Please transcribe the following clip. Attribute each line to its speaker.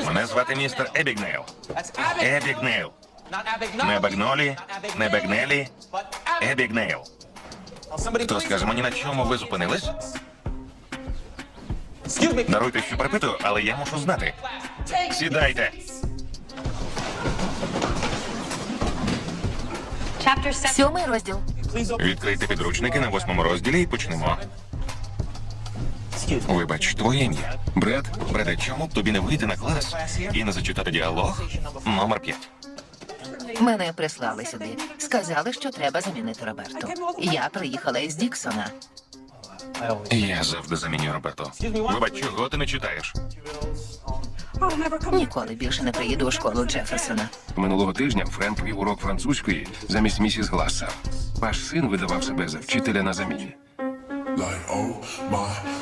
Speaker 1: Мене звати містер Ебігнейл. Ебігнейл. Не Багнолі, не Багнелі, Ебігнейл. Хто скаже мені, на чому ви зупинились? Даруйте, що перепитую, але я мушу знати. Сідайте.
Speaker 2: Сьомий розділ.
Speaker 1: Відкрийте підручники на 8-му розділі і почнемо. Вибач, твоє ім'я. Бред? Бреде, чому б тобі не вийти на клас і не зачитати діалог номер 5?
Speaker 2: Мене прислали сюди. Сказали, що треба замінити Роберту. Я приїхала із Діксона.
Speaker 1: Я завжди заміню Роберту. Вибач, чого ти не читаєш?
Speaker 2: Ніколи більше не приїду у школу Джеферсона.
Speaker 3: Минулого тижня Френк вів урок французької замість місіс Глассер. Ваш син видавав себе за вчителя на заміні.
Speaker 4: Like, oh my